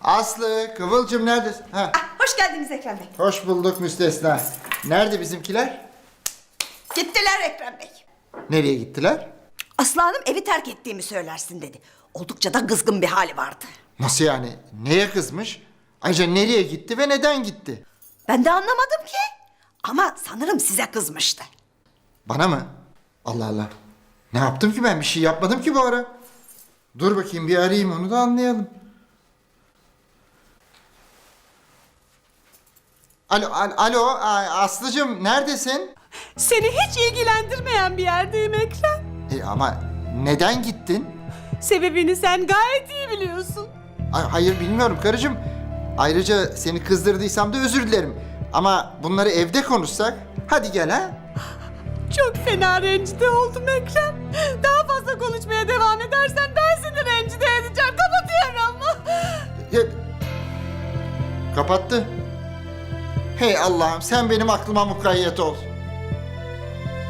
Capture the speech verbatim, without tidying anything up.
Aslı, Kıvılcım neredesin? Ha. Ah, hoş geldiniz Ekrem Bey. Hoş bulduk müstesna. Nerede bizimkiler? Gittiler Ekrem Bey. Nereye gittiler? Aslı Hanım evi terk ettiğimi söylersin dedi. Oldukça da kızgın bir hali vardı. Nasıl yani? Neye kızmış? Ayrıca nereye gitti ve neden gitti? Ben de anlamadım ki. Ama sanırım size kızmıştı. Bana mı? Allah Allah. Ne yaptım ki ben? Bir şey yapmadım ki bu ara. Dur bakayım bir arayayım onu da anlayalım. Alo, al- alo, a- Aslıcığım neredesin? Seni hiç ilgilendirmeyen bir yerdeyim Ekrem. E, ama neden gittin? Sebebini sen gayet iyi biliyorsun. Ay, hayır bilmiyorum karıcığım. Ayrıca seni kızdırdıysam da özür dilerim. Ama bunları evde konuşsak. Hadi gel ha. Çok fena rencide oldum Ekrem. Daha fazla konuşmaya devam edersen ben seni rencide edeceğim. Kapatıyorum. Ya, kapattı. Hey Allah'ım sen benim aklıma mukayyet ol.